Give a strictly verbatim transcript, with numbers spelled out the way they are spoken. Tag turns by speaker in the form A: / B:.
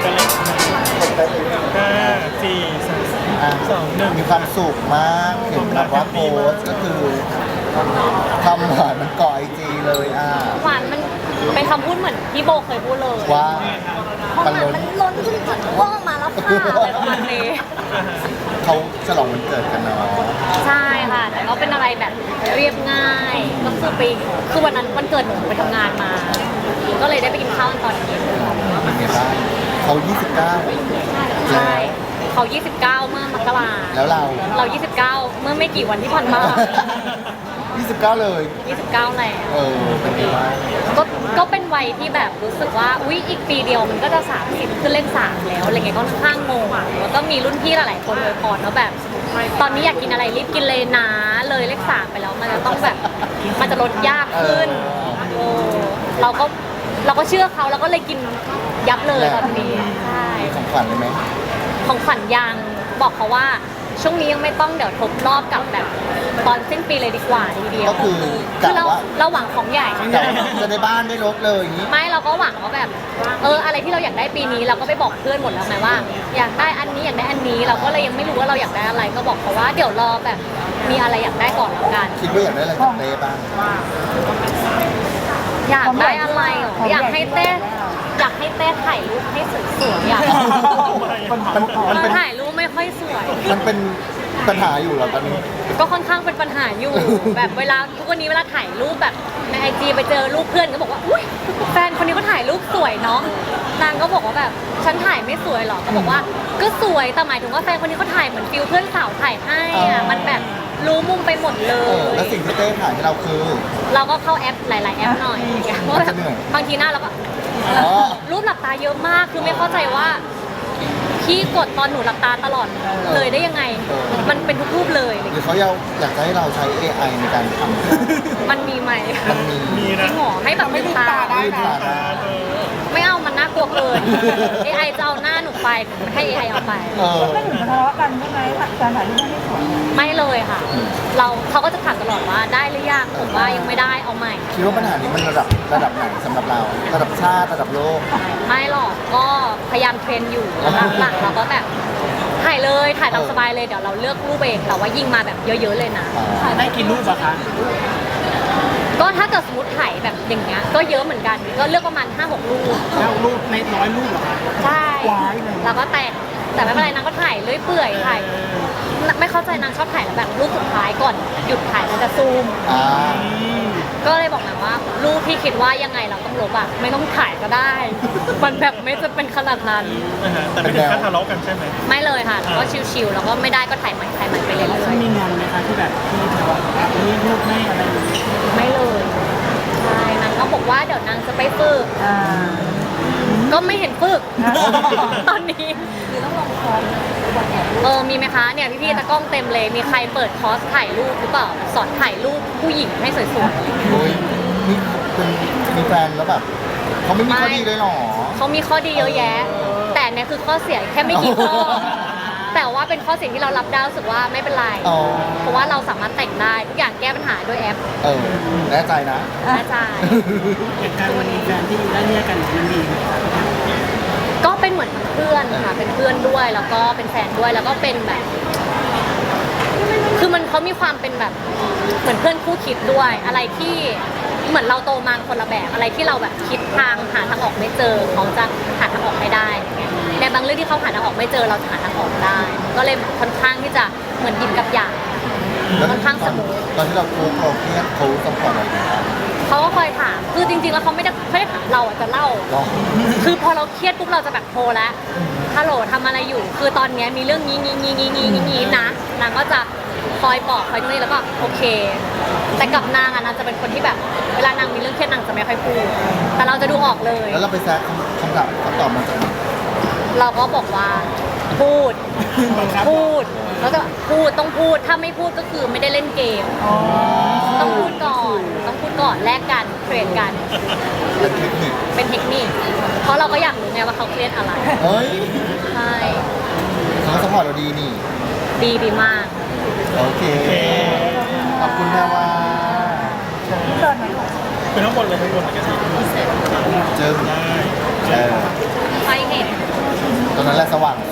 A: กันเลยห้าสี่สามสองหนึ่ง
B: มีความสุขมากเห็นแบบว่าโพสต์ก็คือทำหวานมันเกาะไอจีเลยอ่ะ
C: หวานมันเป็นคำพูดเหมือนพี่โบเคยพูดเลย
B: ว่า
C: เพราะ
B: มัน
C: มัน
B: ล้น
C: มันล้นขึ้นจากว่องมาแล้วค่ะอะไรประมาณนี้
B: เขาฉลองวันเกิดกันเนาะ
C: ใช่ค่ะ แต่ก็เป็นอะไรแบบเรียบง่ายก็คือไปคือวันนั้นวันเกิดหนูไปทำงานมา ก็เลยได้ไปกินข้าวตอนเย็น
B: เป็นไงบ้างเขายี่สิบเก้า
C: ใช่เขายี่สิบเก้าเมื่อมกรา
B: แล้วเรา
C: เรายี่สิบเก้าเมื่อไม่กี่วันที่ผ่านมา
B: ยี่สิบเก้าเลย
C: ยี่สิบเก้าแล้ว
B: เออเป็นไงบ้าง
C: ก็ก็เป็นวัยที่แบบรู้สึกว่าอุ๊ยอีกปีเดียวมันก็จะสามสิบขึ้นเลขสามแล้วอะไรเงี้ยก็ค่อนข้างงงอ่ะแล้วก็มีรุ่นพี่หลายๆคนเลยพรว่าแบบ ตอนนี้อยากกินอะไรรีบกินเลยนะเลยเลขสามไปแล้วมันจะต้องแบบมันจะลดยากขึ้นโอ้เราก็เราก็เชื่อเขาแล้วก็เลยกินยับเลยตอนนี้ใช่
B: มีของขวัญเลยไหม
C: ของขวัญยังบอกเขาว่าช่วงนี้ยังไม่ต้องเดี๋ยวทบรอบกับแบบตอนสิ้นปีเลยดีกว่าทีเดียว
B: ก็คือ
C: คื
B: กะ
C: อเรา
B: ว่า
C: เราหวังของใหญ่
B: กะว่าจะได้บ้านได้รถเลยอย่างนี้
C: ไม่เราก็หวังว่าแบบเอออะไรที่เราอยากได้ปีนี้เราก็ไปบอกเพื่อนหมดแล้วไงว่า อยากได้อันนี้อยากได้อันนี้เราก็เลยยังไม่รู้ว่าเราอยากได้อะไรก็บอกเขาว่าเดี๋ยวรอแบบมีอะไรอยากได้ก่อนแล้วกัน
B: คิดว่าอยากได้อะไรจากเต้บ้าง
C: อยากได้อะไรเหรออยากให้เต้อยากให้เต้ถ่ายรูปให้สวยๆอยาก
B: มันมันเป็น
C: ถ่ายรูปไม่ค่อยสวย
B: มันเป็นปัญหาอยู่เหรอตอนนี้
C: ก็ค่อนข้างเป็นปัญหาอยู่ แบบเวลาทุกวันนี้เวลาถ่ายรูปแบบในไอจีไปเจอรูปเพื่อนก็บอกว่าอุ้ยแฟนคนนี้ก็ถ่ายรูปสวยเนาะนางก็บอกว่าแบบฉันถ่ายไม่สวยหรอก็บอกว่าก็สวยแต่หมายถึงว่าแฟนคนนี้เขาถ่ายเหมือนฟิลเพื่อนสาวถ่ายให้อะมันแบบรู้มุมไปหมดเล
B: เออย แล้วสิ่งที่เต้ถ่ายให้เราคือ
C: เราก็เข้าแอปหลาย ๆ แอปหน่อยเพราะแบบบางทีหน้าเราก็
B: อ๋อ
C: รูปหลับตาเยอะมากคือไม่เข้าใจว่าพี่กดตอนหนูหลับตาตลอดเลยได้ยังไง มันเป็นทุกรูปเลย
B: หรือเขาอยากอยากจะให้เราใช้ เอ ไอ ในการทำ
C: มันมีไหม
B: มันมี
A: มี
C: จริ
A: นะ
C: งเหรอให้แบบลืมตา
B: ลืมตาได้
A: เออ
C: ไม่เอามันน่ากลัวเกิน เอ ไอ จะเอาหน้าหนูไปให้ เอ ไอ เอาไป
B: เออ
D: ไม่ถึงกับทะเลาะกันใช่ไหมการถ่ายรูปไม่สวย
C: ไม่เลยค่ะ เราเขาก็จะถามตลอดว่าได้หรือยังผมว่ายังไม่ได้เอาใหม่
B: คิดว่าปัญหานี้มันระดับระดับไหนสำหรับเรา ระดับชาติระดับโลก
C: ไม่หรอกก็พยายามเทรนอยู่หลังๆเราก็แบบถ่ายเลยถ่ายตามสบายเลยเดี๋ยวเราเลือกรูปเองแต่ว่ายิงมาแบบเยอะๆเลยนะ
B: อ่า
A: ได้กี่รูปอะคะ
C: ก็ถ้าเกิดสมมติถ่ายแบบอย่างเงี้ยก็เยอะเหมือนกันก็เลือกประมาณห้าหกรูป
A: แล้วรูปในร้อยรูปเหรอคะ
C: ใช่
A: ว้ายเลย
C: แล้วก็แต่งแต่ไม่เป็นไรนางก็ถ่ายเรื่อยเปื่อยถ่ายไม่เข้าใจนางชอบถ่ายแล้วแบบรูปสุดท้ายก่อนหยุดถ่ายมันจะซูม
B: อ่า
C: ก็เลยบอกนางว่ารูปที่คิดว่ายังไงเราต้องลบอะไม่ต้องถ่ายก็ได้ มันแบบไม่จะเป็นขนาดนั้น
A: อ่าฮะแต่ไม่ถึงขั้นทะเลาะกันใช่ไหม
C: ไม่เลยค่ะก็ชิวๆแล้วก็ไม่ได้ก็ถ่ายใหม่ถ่ายใหม่ไปเรื่อย
A: มีงานไหมคะที่แบบที่ทะเลาะกันนี่รูปไม่อะไรอย่างเงี้ย
C: ๆไม่เลยใช่นางก็บอกว่าเดี๋ยวนางจะไปฝึก
D: อ่า
C: ก็ไม่เห็นฝึก ตอนนี้เออมีไหมคะเนี่ยพี่ๆตะกล้องเต็มเลยมีใครเปิดคอร์สถ่ายรูปหรือเปล่าสอนถ่ายรูปผู้หญิงให้สวย
B: โอ้ยนี่เป็นมีแฟนแล้วแบบเขาไม่มีข้อดีเลยเหรอ
C: ๆเขามีข้อดีเยอะแยะ แต่เนี่ยคือข้อเสียแค่ไม่กี่ข้อ แต่ว่าเป็นข้อเสียที่เรารับได้รู้สึกว่าไม่เป็นไร
B: อ๋อ
C: เพราะว่าเราสามารถแต่งได้ทุกอย่างแก้ปัญหาด้วยแอป
B: เออแน่ใจนะ
C: อาจารย์
A: เหตุการณ์วันนี้แฟนที่ได้เรียกกันมันดีไหมคะ
C: ก็เป็นเหมือนเพื่อนค่ะเป็นเพื่อนด้วยแล้วก็เป็นแฟนด้วยแล้วก็เป็นแบบ คือมันเขามีความเป็นแบบเหมือนเพื่อนคู่คิดด้วย อะไรที่เหมือนเราโตมาคนละแบบอะไรที่เราแบบคิดทางหาทางออกไม่เจอเขาจะหาทางออกให้ได้อย่างเงี้ยในบางเรื่องที่เขาหาทางออกไม่เจอเราจะหาทางออกได้ ก็เลยค่อนข้างที่จะเหมือนยินกับหยาง
B: แล้ว
C: ค่อนข้าง
B: ต
C: ส
B: อน
C: มูท
B: ตอนที่เราโค้งเราเครียดเขาซัพพอร์ตเราอยู่นะ
C: เขาก็คอยถามคือจริงๆแล้วเขาไม่ได้ไม่ได้ถามเราอะจะเล่า
B: ก็
C: คือพอเราเครียดปุ๊บเราจะแบบโทรแล้วฮัลโหลทำอะไรอยู่ คือตอนเนี้ยมีเรื่องนี้นี้นี้นี้นี้นี้นี้นะนางก็จะคอยบอกคอยตรงนี้แล้วก็โอเค แต่กับนางอะนางจะเป็นคนที่แบบเวลานางมีเรื่องเครียดนางจะไม่ค่อยพูด แต่เราจะดูออกเลย
B: แล้วเราไปแซะคำคำตอบคำตอบมาจากไหน
C: เราก็บอกว่าพูด พูด แล้วก็พูดต้องพูด ถ้าไม่พูดก็คือไม่ได้เล่นเกม ต้องพูดก่อน ต้องพูดก่อนแลกกันเทรดกัน
B: เป็นเทคนิค
C: เป็นเทคนิค เพราะเราก็อยากรู้ไงว่าเขาเครียดอะไร
B: เฮ้ย
C: ใช่
B: เขาซัพพอร์ตเราดีนี่
C: ดีดีมาก
B: โอเค ขอบคุณแม่ว่า
D: ที่เกิดไหน
A: เป็นทั้งหมดเลยทั้งหมดเลยกันสิ
B: เจอ
A: ได้
B: เออ
C: ไปเห็น
B: โตอนนั้นแหละสว่าง